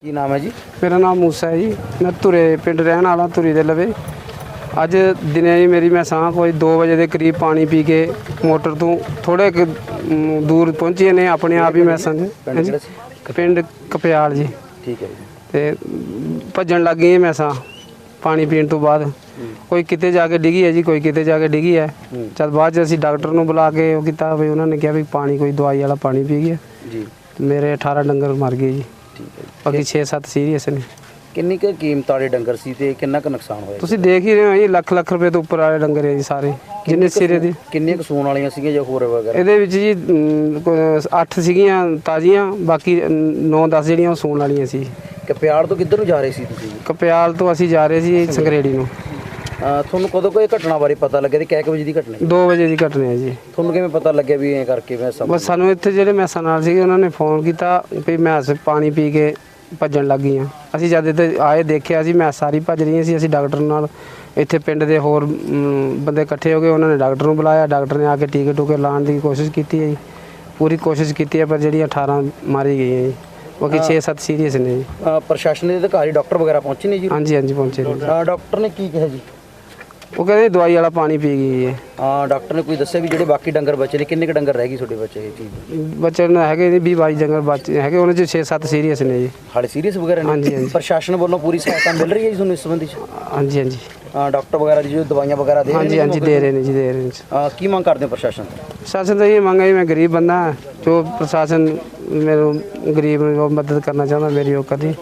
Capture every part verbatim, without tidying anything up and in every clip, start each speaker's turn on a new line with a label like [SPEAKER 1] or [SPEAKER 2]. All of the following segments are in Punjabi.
[SPEAKER 1] ਕੀ ਨਾਮ ਹੈ ਜੀ?
[SPEAKER 2] मेरा नाम मूसा है जी। मैं धुरे पिंड रहने वाला धुरी दे लवे। अज दिने जी मेरी मैं सां कोई दो बजे के करीब पानी पी के मोटर तो थोड़े क दूर पहुँची ने अपने आप ही मैं समझ पिंड कपयाल जी।
[SPEAKER 1] ठीक है जी।
[SPEAKER 2] ते भजन लग गई मैं सां पानी पीने तो बाद कोई किते जाके डिगी है जी, कोई किते जाके डिगी है। चल बाद च असीं डॉक्टर नूं बुला के वो कीता भी उन्होंने कहा भी पानी कोई दवाई वाला पानी पी गया
[SPEAKER 1] जी।
[SPEAKER 2] मेरे अठारह डंगर मर गए जी।
[SPEAKER 1] ठीक है जी।
[SPEAKER 2] बाकी छे सत्त सीरीयस ने।
[SPEAKER 1] ਕਿੰਨੀ ਕੁ ਕੀਮਤ ਵਾਲੇ ਡੰਗਰ ਸੀ ਤੇ ਕਿੰਨਾ ਕੁ ਨੁਕਸਾਨ ਹੋਇਆ?
[SPEAKER 2] ਤੁਸੀਂ ਦੇਖ ਹੀ ਰਹੇ ਹੋ ਜੀ, ਲੱਖ ਲੱਖ ਰੁਪਏ ਤੋਂ ਉੱਪਰ ਵਾਲੇ ਡੰਗਰ ਹੈ ਜੀ ਸਾਰੇ ਜਿੰਨੇ ਸਿਰੇ ਦੇ।
[SPEAKER 1] ਕਿੰਨੀਆਂ ਕੁ ਸੂਣ ਵਾਲੀਆਂ ਸੀਗੀਆਂ ਜਾਂ ਹੋਰ ਵਗੈਰਾ?
[SPEAKER 2] ਇਹਦੇ ਵਿੱਚ ਜੀ ਅੱਠ ਸੀਗੀਆਂ ਤਾਜ਼ੀਆਂ, ਬਾਕੀ ਨੌ ਦਸ ਜਿਹੜੀਆਂ ਉਹ ਸੂਣ ਵਾਲੀਆਂ ਸੀ।
[SPEAKER 1] ਕਪਿਆਲ ਤੋਂ ਕਿੱਧਰ ਨੂੰ ਜਾ ਰਹੇ ਸੀ ਤੁਸੀਂ?
[SPEAKER 2] ਕਪਿਆਲ ਤੋਂ ਅਸੀਂ ਜਾ ਰਹੇ ਸੀ ਸੰਗਰੇੜੀ ਨੂੰ।
[SPEAKER 1] ਅਹ ਤੁਹਾਨੂੰ ਕਦੋਂ ਕੋਈ ਘਟਨਾ ਬਾਰੇ ਪਤਾ ਲੱਗਿਆ ਤੇ ਕਿੰਨੇ ਕੁ ਵਜੇ ਦੀ ਘਟਨਾ ਹੈ?
[SPEAKER 2] ਦੋ ਵਜੇ ਦੀ ਘਟਨਾ ਹੈ ਜੀ।
[SPEAKER 1] ਤੁਹਾਨੂੰ ਕਿਵੇਂ ਪਤਾ ਲੱਗਿਆ ਵੀ ਐਂ ਕਰਕੇ ਮੈਂ ਸਭ?
[SPEAKER 2] ਬਸ ਸਾਨੂੰ ਇੱਥੇ ਜਿਹੜੇ ਮੈਸਾਂ ਨਾਲ ਸੀਗੇ ਉਹਨਾਂ ਨੇ ਫੋਨ ਕੀਤਾ ਵੀ ਮੈਸ ਪਾਣੀ ਪੀ ਕੇ ਭੱਜਣ ਲੱਗ ਗਈਆਂ। ਅਸੀਂ ਜਦ ਇੱਥੇ ਆਏ ਦੇਖਿਆ ਸੀ ਮੈਸ ਸਾਰੀ ਭੱਜ ਰਹੀਆਂ ਸੀ। ਅਸੀਂ ਡਾਕਟਰ ਨਾਲ ਇੱਥੇ ਪਿੰਡ ਦੇ ਹੋਰ ਬੰਦੇ ਇਕੱਠੇ ਹੋ ਗਏ, ਉਹਨਾਂ ਨੇ ਡਾਕਟਰ ਨੂੰ ਬੁਲਾਇਆ। ਡਾਕਟਰ ਨੇ ਆ ਕੇ ਟੀਕੇ ਟੂਕੇ ਲਾਉਣ ਦੀ ਕੋਸ਼ਿਸ਼ ਕੀਤੀ ਹੈ ਜੀ, ਪੂਰੀ ਕੋਸ਼ਿਸ਼ ਕੀਤੀ ਹੈ, ਪਰ ਜਿਹੜੀ ਅਠਾਰਾਂ ਮਾਰੀ ਗਈਆਂ ਜੀ, ਬਾਕੀ ਛੇ ਸੱਤ ਸੀਰੀਅਸ ਨੇ ਜੀ।
[SPEAKER 1] ਅਹ ਪ੍ਰਸ਼ਾਸਨ ਦੇ ਅਧਿਕਾਰੀ ਡਾਕਟਰ ਵਗੈਰਾ ਪਹੁੰਚੇ ਨੇ ਜੀ?
[SPEAKER 2] ਹਾਂਜੀ ਹਾਂਜੀ ਪਹੁੰਚੇ ਨੇ।
[SPEAKER 1] ਅਹ ਡਾਕਟਰ ਨੇ ਕੀ ਕਿਹਾ ਜੀ?
[SPEAKER 2] ਉਹ ਕਹਿੰਦੇ ਦਵਾਈ ਵਾਲਾ ਪਾਣੀ ਪੀ ਗਈ ਹੈ।
[SPEAKER 1] ਹਾਂ, ਡਾਕਟਰ ਨੇ ਕੋਈ ਦੱਸਿਆ ਵੀ ਜਿਹੜੇ ਬਾਕੀ ਡੰਗਰ ਬਚੇ ਨੇ ਕਿੰਨੇ ਕੁ ਡੰਗਰ ਰਹਿ ਗਏ ਤੁਹਾਡੇ ਬੱਚੇ ਇਹ ਚੀਜ਼?
[SPEAKER 2] ਬੱਚੇ ਨੂੰ ਹੈਗੇ ਜੀ ਵੀਹ ਬਾਈ ਡੰਗਰ ਬੱਚੇ ਹੈਗੇ, ਉਹਨਾਂ 'ਚ ਛੇ ਸੱਤ ਸੀਰੀਅਸ ਨੇ ਜੀ।
[SPEAKER 1] ਹਾਲੇ ਸੀਰੀਅਸ ਵਗੈਰਾ ਨੇ?
[SPEAKER 2] ਹਾਂਜੀ ਹਾਂਜੀ
[SPEAKER 1] ਪ੍ਰਸ਼ਾਸਨ ਵੱਲੋਂ ਪੂਰੀ ਸਹਾਇਤਾ ਮਿਲ ਰਹੀ ਹੈ ਜੀ ਤੁਹਾਨੂੰ ਇਸ ਸੰਬੰਧੀ 'ਚ?
[SPEAKER 2] ਹਾਂਜੀ ਹਾਂਜੀ
[SPEAKER 1] ਹਾਂ, ਡਾਕਟਰ ਵਗੈਰਾ ਦੀ ਜੋ ਦਵਾਈਆਂ ਵਗੈਰਾ ਦੇ ਰਹੇ
[SPEAKER 2] ਹਾਂਜੀ
[SPEAKER 1] ਨੇ?
[SPEAKER 2] ਹਾਂਜੀ ਦੇ ਰਹੇ ਨੇ ਜੀ, ਦੇ ਰਹੇ ਨੇ।
[SPEAKER 1] ਹਾਂ, ਕੀ ਮੰਗ ਕਰਦੇ ਹੋ ਪ੍ਰਸ਼ਾਸਨ ਤੋਂ?
[SPEAKER 2] ਪ੍ਰਸ਼ਾਸਨ ਤਾਂ ਇਹ ਮੰਗ ਹੈ ਜੀ, ਮੈਂ ਗਰੀਬ ਬੰਦਾ ਹਾਂ, ਜੋ ਪ੍ਰਸ਼ਾਸਨ ਮੈਨੂੰ ਗਰੀਬ ਨੂੰ ਮਦਦ ਕਰਨਾ ਚਾਹੁੰਦਾ ਮੇਰੀ ਉਹ ਕਰੀ।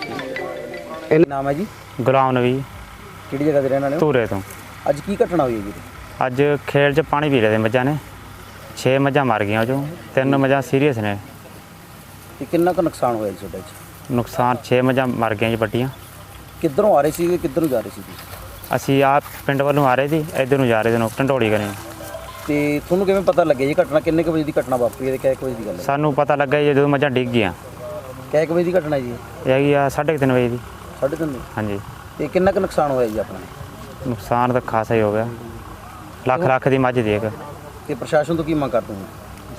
[SPEAKER 1] ਇਹ ਨਾਮ ਹੈ ਜੀ?
[SPEAKER 3] ਗੁਲਾਮ ਨਬੀ,
[SPEAKER 1] ਕਿਹੜੀ ਜਗ੍ਹਾ ਦੇ ਰਹਿਣ ਵਾਲੇ ਹੋ?
[SPEAKER 3] ਧੂਰੇ ਤੋਂ।
[SPEAKER 1] ਅੱਜ ਕੀ ਘਟਨਾ ਹੋਈ ਹੈ ਜੀ?
[SPEAKER 3] ਅੱਜ ਖੇਲ 'ਚ ਪਾਣੀ ਪੀ ਰਹੇ ਤੇ ਮੱਝਾਂ ਨੇ, ਛੇ ਮੱਝਾਂ ਮਰ ਗਈਆਂ, ਉਹ 'ਚੋਂ ਤਿੰਨ ਮੱਝਾਂ ਸੀਰੀਅਸ ਨੇ।
[SPEAKER 1] ਤੇ ਕਿੰਨਾ ਕੁ ਨੁਕਸਾਨ ਹੋਇਆ ਜੀ ਤੁਹਾਡਾ ਜੀ?
[SPEAKER 3] ਨੁਕਸਾਨ ਛੇ ਮੱਝਾਂ ਮਰ ਗਈਆਂ ਜੀ ਵੱਡੀਆਂ।
[SPEAKER 1] ਕਿੱਧਰੋਂ ਆ ਰਹੇ ਸੀ ਕਿੱਧਰ ਨੂੰ ਜਾ ਰਹੇ ਸੀ ਤੁਸੀਂ?
[SPEAKER 3] ਅਸੀਂ ਆਪ ਪਿੰਡ ਵੱਲੋਂ ਆ ਰਹੇ ਸੀ, ਇੱਧਰ ਨੂੰ ਜਾ ਰਹੇ ਸੀ ਢੰਡੋਲੀ ਕਰੇ।
[SPEAKER 1] ਤੇ ਤੁਹਾਨੂੰ ਕਿਵੇਂ ਪਤਾ ਲੱਗਿਆ ਜੀ ਘਟਨਾ ਕਿੰਨੇ ਕੁ ਵਜੇ ਦੀ ਘਟਨਾ ਵਾਪਰੀ ਹੈ ਤੇ ਕਿੰਨੇ ਕੁ ਵਜੇ ਦੀ ਗੱਲ ਹੈ?
[SPEAKER 3] ਸਾਨੂੰ ਪਤਾ ਲੱਗਾ ਜੀ ਜਦੋਂ ਮੱਝਾਂ ਡਿੱਗ ਗਈਆਂ।
[SPEAKER 1] ਕਿੰਨੇ ਕੁ ਵਜੇ ਦੀ ਘਟਨਾ ਜੀ?
[SPEAKER 3] ਇਹ ਹੈਗੀ ਆ ਸਾਢੇ ਕੁ ਤਿੰਨ ਵਜੇ ਦੀ।
[SPEAKER 1] ਸਾਢੇ ਤਿੰਨ?
[SPEAKER 3] ਹਾਂਜੀ।
[SPEAKER 1] ਤੇ ਕਿੰਨਾ ਕੁ ਨੁਕਸਾਨ ਹੋਇਆ ਜੀ ਆਪਣਾ?
[SPEAKER 3] ਨੁਕਸਾਨ ਤਾਂ ਖਾਸਾ ਹੀ ਹੋ ਗਿਆ, ਲੱਖ ਲੱਖ ਦੀ ਮੱਝ ਦੀ ਇੱਕ।
[SPEAKER 1] ਤੇ ਪ੍ਰਸ਼ਾਸਨ ਤੋਂ ਕੀ ਮੰਗ ਕਰਦੇ ਹੋ?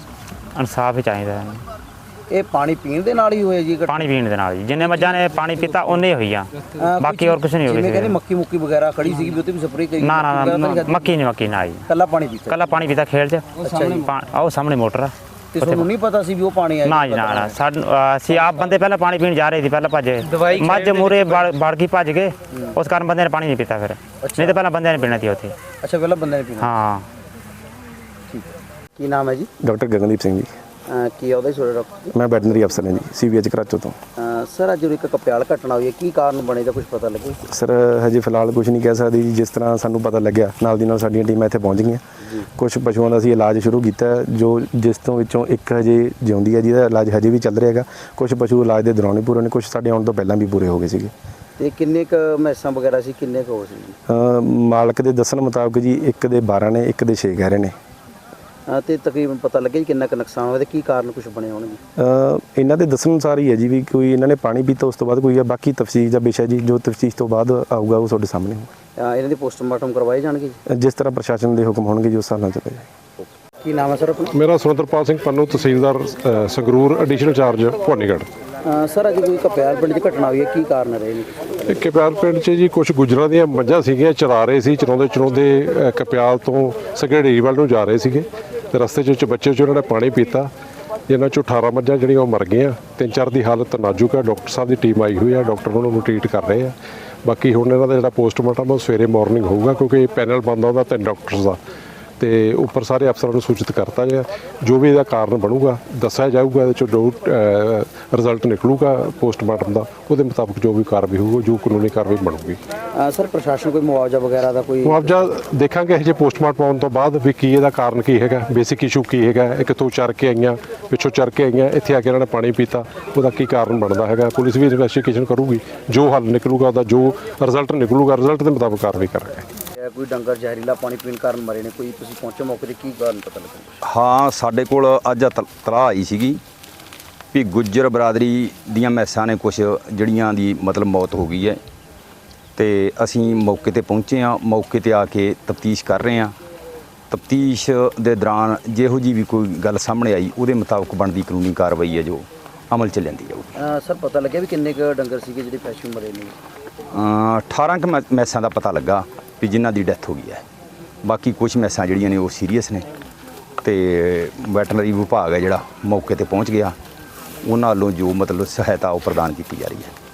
[SPEAKER 3] ਇਨਸਾਫ ਹੀ ਚਾਹੀਦਾ ਹੈ।
[SPEAKER 1] ਇਹ ਪਾਣੀ ਪੀਣ ਦੇ ਨਾਲ ਹੀ ਹੋਇਆ ਜੀ ਘਟਨਾ?
[SPEAKER 3] ਪਾਣੀ ਪੀਣ ਦੇ ਨਾਲ ਜੀ, ਜਿੰਨੇ ਮੱਝਾਂ ਨੇ ਪਾਣੀ ਪੀਤਾ ਉਹਨੇ ਹੋਈਆਂ, ਬਾਕੀ ਹੋਰ ਕੁਝ ਨਹੀਂ ਹੋ
[SPEAKER 1] ਜਿਵੇਂ ਕਹਿੰਦੇ
[SPEAKER 3] ਗਿਆ।
[SPEAKER 1] ਮੱਕੀ ਮੁੱਕੀ ਵਗੈਰਾ ਖੜੀ ਸੀਗੀ ਵੀ ਉੱਤੇ ਵੀ ਸਪਰੇਅ ਕਰੀ?
[SPEAKER 3] ਨਾ ਨਾ ਨਾ ਮੱਕੀ ਨਹੀਂ, ਮੱਕੀ ਨਾ ਜੀ,
[SPEAKER 1] ਕੱਲਾ ਪਾਣੀ ਪੀਤਾ?
[SPEAKER 3] ਕੱਲਾ ਪਾਣੀ ਪੀਤਾ ਖੇਲ 'ਚ। ਆਹ ਸਾਹਮਣੇ ਮੋਟਰ ਆ।
[SPEAKER 1] ਤੇ ਤੁਹਾਨੂੰ ਨਹੀਂ ਪਤਾ ਸੀ ਵੀ ਉਹ ਪਾਣੀ ਆਇਆ?
[SPEAKER 3] ਨਾ ਜੀ ਨਾ ਨਾ, ਸਾਨੂੰ ਅਸੀਂ ਆਪ ਬੰਦੇ ਪਹਿਲਾਂ ਪਾਣੀ ਪੀਣ ਜਾ ਰਹੇ ਸੀ, ਪਹਿਲਾਂ ਭੱਜੇ ਮੱਝ ਮੂਰੇ ਵੜ ਗਈ ਭੱਜ ਗਏ, ਉਸ ਕਾਰਨ ਬੰਦੇ ਨੇ ਪਾਣੀ ਨਹੀਂ ਪੀਤਾ ਫਿਰ, ਨਹੀਂ ਤਾਂ ਪਹਿਲਾਂ ਬੰਦਿਆਂ ਨੇ ਪੀਣਾ ਸੀ ਉੱਥੇ।
[SPEAKER 1] ਅੱਛਾ, ਪਹਿਲਾਂ ਬੰਦੇ ਨੇ ਪੀਣਾ?
[SPEAKER 3] ਹਾਂ।
[SPEAKER 1] ਠੀਕ ਹੈ। ਕੀ ਨਾਮ ਹੈ ਜੀ?
[SPEAKER 4] ਡਾਕਟਰ ਗਗਨਦੀਪ ਸਿੰਘ ਜੀ।
[SPEAKER 1] ਅਹ ਕੀ ਆਉਂਦਾ ਜੀ ਤੁਹਾਡਾ ਡਾਕਟਰ?
[SPEAKER 4] ਮੈਂ ਵੈਟਰਨਰੀ ਅਫਸਰ ਹਾਂ ਜੀ, ਸੀ ਵੀ ਐਚ ਕਰਾਚੋ ਤੋਂ।
[SPEAKER 1] ਅਹ ਸਰ, ਅੱਜ ਇੱਕ ਕਪਿਆਲ ਘਟਨਾ ਹੋਈ ਹੈ, ਕੀ ਕਾਰਨ ਬਣੇ ਦਾ ਕੁਝ ਪਤਾ ਲੱਗੇ?
[SPEAKER 4] ਸਰ ਹਜੇ ਫਿਲਹਾਲ ਕੁਝ ਨਹੀਂ ਕਹਿ ਸਕਦੀ ਜੀ। ਜਿਸ ਤਰ੍ਹਾਂ ਸਾਨੂੰ ਪਤਾ ਲੱਗਿਆ ਨਾਲ ਦੀ ਨਾਲ ਸਾਡੀਆਂ ਟੀਮਾਂ ਇੱਥੇ ਪਹੁੰਚ ਗਈਆਂ। ਕੁਝ ਪਸ਼ੂਆਂ ਦਾ ਅਸੀਂ ਇਲਾਜ ਸ਼ੁਰੂ ਕੀਤਾ ਹੈ, ਜੋ ਜਿਸ ਤੋਂ ਵਿੱਚੋਂ ਇੱਕ ਹਜੇ ਜਿਉਂਦੀ ਹੈ ਜਿਹਦਾ ਇਲਾਜ ਹਜੇ ਵੀ ਚੱਲ ਰਿਹਾ ਹੈਗਾ। ਕੁਝ ਪਸ਼ੂ ਇਲਾਜ ਦੇ ਦੌਰਾਨ ਹੀ ਪੂਰੇ ਨੇ, ਕੁਝ ਸਾਡੇ ਆਉਣ ਤੋਂ ਪਹਿਲਾਂ ਵੀ ਪੂਰੇ ਹੋ ਗਏ ਸੀਗੇ।
[SPEAKER 1] ਤੇ ਕਿੰਨੇ ਕੁ ਮੈਸਾਂ ਵਗੈਰਾ ਸੀ, ਕਿੰਨੇ ਕੁ ਹੋ ਸੀ ਜੀ?
[SPEAKER 4] ਮਾਲਕ ਦੇ ਦੱਸਣ ਮੁਤਾਬਕ ਜੀ ਇੱਕ ਦੇ ਬਾਰਾਂ ਨੇ, ਇੱਕ ਦੇ ਛੇ ਕਹਿ ਰਹੇ ਨੇ।
[SPEAKER 1] ਤੇ ਤਕਰੀਬਨ ਪਤਾ ਲੱਗਿਆ ਜੀ ਕਿੰਨਾ ਕੁ ਨੁਕਸਾਨ ਹੋਇਆ ਤੇ ਕੀ ਕਾਰਨ ਕੁਝ ਬਣੇ ਹੋਣਗੇ?
[SPEAKER 4] ਇਹਨਾਂ ਦੇ ਦੱਸਣ ਅਨੁਸਾਰ ਹੀ ਹੈ ਜੀ ਵੀ ਕੋਈ ਇਹਨਾਂ ਨੇ ਪਾਣੀ ਪੀਤਾ, ਉਸ ਤੋਂ ਬਾਅਦ ਕੋਈ ਹੈ। ਬਾਕੀ ਤਫਸੀਰ ਦਾ ਵਿਸ਼ਾ ਜੀ, ਜੋ ਤਫਸੀਰ ਤੋਂ ਬਾਅਦ ਆਊਗਾ ਉਹ ਤੁਹਾਡੇ ਸਾਹਮਣੇ ਹੋਊਗਾ।
[SPEAKER 1] ਇਹਨਾਂ ਦੇ ਪੋਸਟਮਾਰਟਮ ਕਰਵਾਏ ਜਾਣਗੇ ਜੀ?
[SPEAKER 4] ਜਿਸ ਤਰ੍ਹਾਂ ਪ੍ਰਸ਼ਾਸਨ ਦੇ ਹੁਕਮ ਹੋਣਗੇ ਜੀ ਉਸ ਹਿਸਾਬ ਨਾਲ ਚੱਲੇਗਾ ਜੀ।
[SPEAKER 1] ਕੀ ਨਾਮ ਹੈ ਸਰ ਆਪਣਾ?
[SPEAKER 5] ਮੇਰਾ ਸੁਰਿੰਦਰਪਾਲ ਸਿੰਘ ਪੰਨੂ, ਤਹਿਸੀਲਦਾਰ ਅ, Sangrur, additional charge Bhawanigarh.
[SPEAKER 1] Sir, ਅੱਜ ਕੋਈ ਕਪਿਆਲ ਪਿੰਡ 'ਚ ਘਟਨਾ ਹੋਈ ਹੈ, ਕੀ ਕਾਰਨ ਰਹੇ ਨੇ?
[SPEAKER 5] ਇਹ ਕਪਿਆਲ ਪਿੰਡ 'ਚ ਜੀ ਕੁਝ ਗੁੱਜਰਾਂ ਦੀਆਂ ਮੱਝਾਂ ਸੀਗੀਆਂ, ਚਰਾ ਰਹੇ ਸੀ। ਚਰਾਉਂਦੇ ਚਰਾਉਂਦੇ ਅ, ਕਪਿਆਲ ਤੋਂ ਸੰਘੇੜੀ ਵੱਲ ਨੂੰ ਜਾ ਰਹੇ ਸੀਗੇ ਤੇ ਰਸਤੇ 'ਚ ਬੱਚੇ 'ਚ ਉਹਨਾਂ ਨੇ ਪਾਣੀ ਪੀਤਾ, ਜਿਨ੍ਹਾਂ 'ਚੋਂ ਅਠਾਰਾਂ ਮੱਝਾਂ ਜਿਹੜੀਆਂ ਉਹ ਮਰ ਗਈਆਂ। ਤਿੰਨ ਚਾਰ ਦੀ ਹਾਲਤ ਨਾਜ਼ੁਕ ਹੈ। ਡਾਕਟਰ ਸਾਹਿਬ ਦੀ ਟੀਮ ਆਈ ਹੋਈ ਹੈ, ਡਾਕਟਰ ਉਹਨਾਂ ਨੂੰ ਟਰੀਟ ਕਰ ਰਹੇ ਆ। ਬਾਕੀ ਹੁਣ ਇਹਨਾਂ ਦਾ ਜਿਹੜਾ ਪੋਸਟਮਾਰਟਮ ਉਹ ਸਵੇਰੇ ਮਾਰਨਿੰਗ ਹੋਊਗਾ, ਕਿਉਂਕਿ ਪੈਨਲ ਬਣਦਾ ਉਹਦਾ ਤਿੰਨ ਡਾਕਟਰਸ ਦਾ, ਤੇ ਉੱਪਰ ਸਾਰੇ ਅਫਸਰਾਂ ਨੂੰ ਸੂਚਿਤ ਕਰਤਾ ਗਿਆ। ਜੋ ਵੀ ਇਹਦਾ ਕਾਰਨ ਬਣੂਗਾ ਦੱਸਿਆ ਜਾਊਗਾ, ਇਹਦੇ 'ਚੋਂ ਜੋ ਰਿਜ਼ਲਟ ਨਿਕਲੂਗਾ ਪੋਸਟਮਾਰਟਮ ਦਾ, ਉਹਦੇ ਮੁਤਾਬਕ ਜੋ ਵੀ ਕਾਰਵਾਈ ਹੋਊਗੀ, ਜੋ ਕਾਨੂੰਨੀ ਕਾਰਵਾਈ ਬਣੂਗੀ।
[SPEAKER 1] ਸਰ, ਪ੍ਰਸ਼ਾਸਨ ਕੋਈ ਮੁਆਵਜ਼ਾ ਵਗੈਰਾ ਦਾ ਕੋਈ?
[SPEAKER 5] ਮੁਆਵਜ਼ਾ ਦੇਖਾਂਗੇ ਇਹ ਜੇ ਪੋਸਟਮਾਰਟਮ ਆਉਣ ਤੋਂ ਬਾਅਦ ਵੀ ਕੀ ਇਹਦਾ ਕਾਰਨ ਕੀ ਹੈਗਾ, ਬੇਸਿਕ ਇਸ਼ੂ ਕੀ ਹੈਗਾ। ਇਹ ਕਿੱਥੋਂ ਚਰ ਕੇ ਆਈਆਂ, ਪਿੱਛੋਂ ਚਰ ਕੇ ਆਈਆਂ, ਇੱਥੇ ਆ ਕੇ ਇਹਨਾਂ ਨੇ ਪਾਣੀ ਪੀਤਾ, ਉਹਦਾ ਕੀ ਕਾਰਨ ਬਣਦਾ ਹੈਗਾ। ਪੁਲਿਸ ਵੀ ਇਨਵੈਸਟੀਗੇਸ਼ਨ ਕਰੂਗੀ, ਜੋ ਹੱਲ ਨਿਕਲੂਗਾ ਉਹਦਾ ਜੋ ਰਿਜ਼ਲਟ ਨਿਕਲੂਗਾ, ਰਿਜ਼ਲਟ ਦੇ ਮੁਤਾਬਕ ਕਾਰਵਾਈ ਕਰਾਂਗੇ।
[SPEAKER 1] ਕੋਈ ਡੰਗਰ ਜ਼ਹਿਰੀਲਾ ਪਾਣੀ ਪੀਣ ਕਾਰਨ ਮਰੇ ਨੇ, ਕੋਈ ਤੁਸੀਂ ਪਹੁੰਚੇ ਮੌਕੇ ਤੇ, ਕੀ ਕਾਰਨ ਪਤਾ ਲੱਗਾ?
[SPEAKER 6] ਹਾਂ, ਸਾਡੇ ਕੋਲ ਅੱਜ ਤਲਾਹ ਆਈ ਸੀਗੀ ਵੀ ਗੁੱਜਰ ਬਰਾਦਰੀ ਦੀਆਂ ਮੈਸਾਂ ਨੇ ਕੁਝ ਜਿਹੜੀਆਂ ਦੀ ਮਤਲਬ ਮੌਤ ਹੋ ਗਈ ਹੈ, ਤੇ ਅਸੀਂ ਮੌਕੇ ਤੇ ਪਹੁੰਚੇ ਹਾਂ। ਮੌਕੇ ਤੇ ਆ ਕੇ ਤਫਤੀਸ਼ ਕਰ ਰਹੇ ਹਾਂ। ਤਫਤੀਸ਼ ਦੇ ਦੌਰਾਨ ਜਿਹੋ ਜੀ ਵੀ ਕੋਈ ਗੱਲ ਸਾਹਮਣੇ ਆਈ ਉਹਦੇ ਮੁਤਾਬਕ ਬਣਦੀ ਕਾਨੂੰਨੀ ਕਾਰਵਾਈ ਹੈ ਜੋ ਅਮਲ 'ਚ ਲਿਆਂਦੀ ਜਾਊਗੀ।
[SPEAKER 1] ਅਹ ਸਰ ਪਤਾ ਲੱਗਿਆ ਵੀ ਕਿੰਨੇ ਕੁ ਡੰਗਰ ਸੀਗੇ ਜਿਹੜੇ ਪਸ਼ੂ ਮਰੇ ਨੇ?
[SPEAKER 6] ਅ, ਅਠਾਰਾਂ ਕੁ ਮੈ- ਮੈਸਾਂ ਦਾ ਪਤਾ ਲੱਗਾ ਵੀ ਜਿਨ੍ਹਾਂ ਦੀ ਡੈਥ ਹੋ ਗਈ ਹੈ। ਬਾਕੀ ਕੁਝ ਮੈਸਾਂ ਜਿਹੜੀਆਂ ਨੇ ਉਹ ਸੀਰੀਅਸ ਨੇ ਤੇ ਵੈਟਰਨਰੀ ਵਿਭਾਗ ਹੈ ਜਿਹੜਾ ਮੌਕੇ ਤੇ ਪਹੁੰਚ ਗਿਆ, ਉਹਨਾਂ ਵੱਲੋਂ ਜੋ ਮਤਲਬ ਸਹਾਇਤਾ ਉਹ ਪ੍ਰਦਾਨ ਕੀਤੀ ਜਾ ਰਹੀ ਹੈ।